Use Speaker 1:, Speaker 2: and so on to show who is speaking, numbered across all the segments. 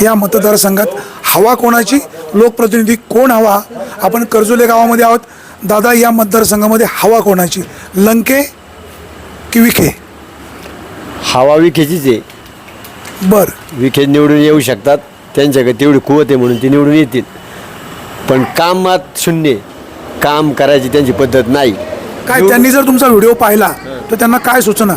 Speaker 1: या मतदारसंघात हवा कोणाची, लोकप्रतिनिधी कोण हवा? आपण कर्जोले गावामध्ये आहोत. दादा, या मतदारसंघामध्ये हवा कोणाची, लंके की विखे?
Speaker 2: हवा विखेचीच आहे.
Speaker 1: बर,
Speaker 2: विखे निवडून येऊ शकतात, त्यांच्याकडे तेवढी कुवत आहे म्हणून ते निवडून येतील. पण कामात शून्य, काम करायची त्यांची पद्धत नाही.
Speaker 1: काय त्यांनी जर तुमचा व्हिडिओ पाहिला तर त्यांना काय सूचना?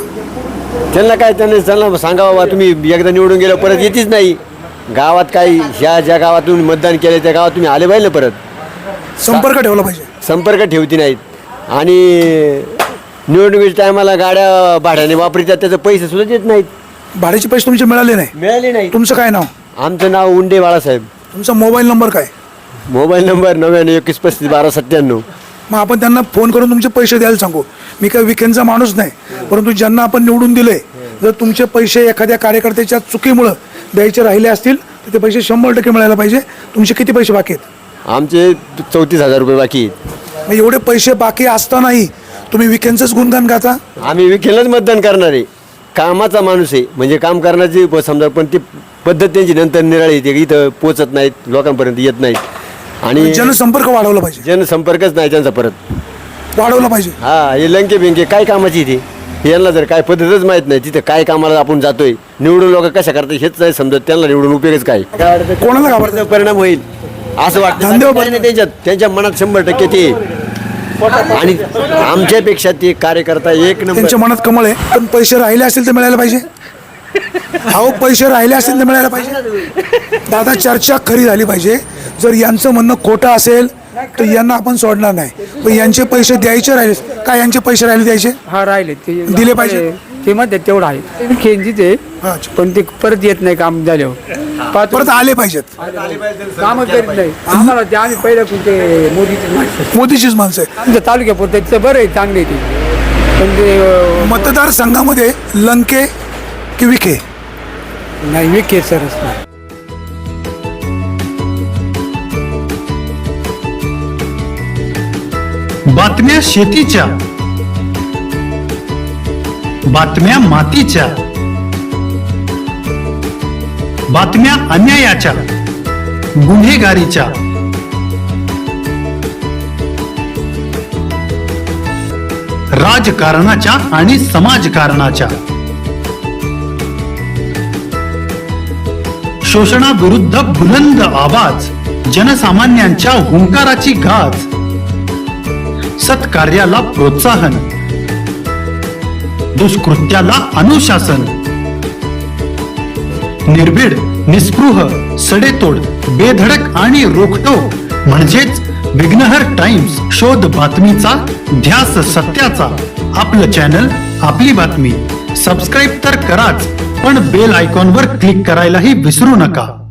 Speaker 2: त्यांना सांगा बाबा, तुम्ही एकदा निवडून गेलं परत येतीच नाही. गावात काही ह्या ज्या गावात तुम्ही मतदान केलं त्या गावात तुम्ही आले पाहिजे ना, परत
Speaker 1: संपर्क ठेवला पाहिजे.
Speaker 2: संपर्क ठेवती नाहीत. आणि निवडणुकीच्या टायमाला गाड्या भाड्याने वापरतात, त्याचे पैसे सुद्धा देत नाहीत.
Speaker 1: भाड्याचे पैसे तुमचे मिळाले नाही?
Speaker 2: मिळाले नाही.
Speaker 1: तुमचं काय नाव?
Speaker 2: आमचं नाव उंडे बाळासाहेब.
Speaker 1: तुमचा मोबाईल नंबर काय?
Speaker 2: Mobile number 9921351297.
Speaker 1: मग आपण त्यांना फोन करून तुमचे पैसे द्यायला सांगू. मी काही विखेंचा माणूस नाही, परंतु ज्यांना आपण निवडून दिले, जर तुमचे पैसे एखाद्या कार्यकर्त्याच्या चुकीमुळं द्यायचे राहिले असतील तर ते पैसे 100% मिळायला पाहिजे. तुमचे किती पैसे बाकी आहेत?
Speaker 2: आमचे 34,000 रुपये बाकी आहेत.
Speaker 1: मग एवढे पैसे बाकी असतानाही तुम्ही विखेंचंच गुणगान गाता?
Speaker 2: आम्ही विखेलाच मतदान करणार आहे. कामाचा माणूस आहे, म्हणजे काम करण्याची समजा, पण ती पद्धत त्यांची नंतर निराळी येते, इथं पोचत नाहीत, लोकांपर्यंत येत नाहीत. आणि
Speaker 1: जनसंपर्क वाढवला पाहिजे.
Speaker 2: जनसंपर्कच नाही त्यांचा परत
Speaker 1: वाढवला पाहिजे.
Speaker 2: हा, हे लंके बिंके काय कामाची ती, यांना जर काय पद्धतच माहीत नाही, तिथं काय कामाला आपण जातोय, निवडून लोक कशा करतात हेच नाही समजत. त्यांना निवडून उपयोगच काय,
Speaker 1: कोणाला घाबरतं?
Speaker 2: परिणाम होईल असं वाटतं त्यांच्या मनात 100% ते. आणि आमच्यापेक्षा ते कार्यकर्ता एक नंबर.
Speaker 1: त्यांच्या मनात कमळ आहे. पण पैसे राहिले असतील तर मिळायला पाहिजे. अहो, पैसे राहिले असतील तर मिळायला पाहिजे. दादा, चर्चा खरी झाली पाहिजे. जर यांचं म्हणणं खोटं असेल तर यांना आपण सोडणार नाही. पण यांचे पैसे द्यायचे राहिले, काय यांचे पैसे राहिले द्यायचे?
Speaker 3: हा, राहिले ते
Speaker 1: दिले पाहिजे.
Speaker 3: ते मध्ये तेवढं आहे. खेळजीच आहे,
Speaker 1: अच्छा.
Speaker 3: पण ते परत येत नाही काम झाल्यावर.
Speaker 1: परत आले पाहिजेत.
Speaker 3: काम करीत नाही. आम्हाला ते आम्ही पहिल्या कुठे
Speaker 1: मोदीचीच माणसं आहे.
Speaker 3: आमच्या तालुक्यापुरतं बरं आहे, चांगले ते. पण ते
Speaker 1: मतदारसंघामध्ये लंके की विखे?
Speaker 3: नाही, विखे सरच नाही.
Speaker 4: बातम्या शेतीच्या, बातम्या मातीच्या, बातम्या अन्यायाच्या, गुन्हेगारीच्या, राजकारणाच्या आणि समाजकारणाच्या, शोषणाविरुद्ध बुलंद आवाज, जनसामान्यांच्या हुंकाराची गाज, सत्कार्याला प्रोत्साहन, दुष्कृत्याला अनुशासन, निर्भीड, निस्पृह, सडेतोड, बेधडक आणि रोखटोक म्हणजेच विघ्नहर टाइम्स. शोध बातमीचा, ध्यास सत्याचा. आपलं चॅनल, आपली बातमी. सबस्क्राईब तर कराच, पण बेल आयकॉनवर क्लिक करायलाही विसरू नका.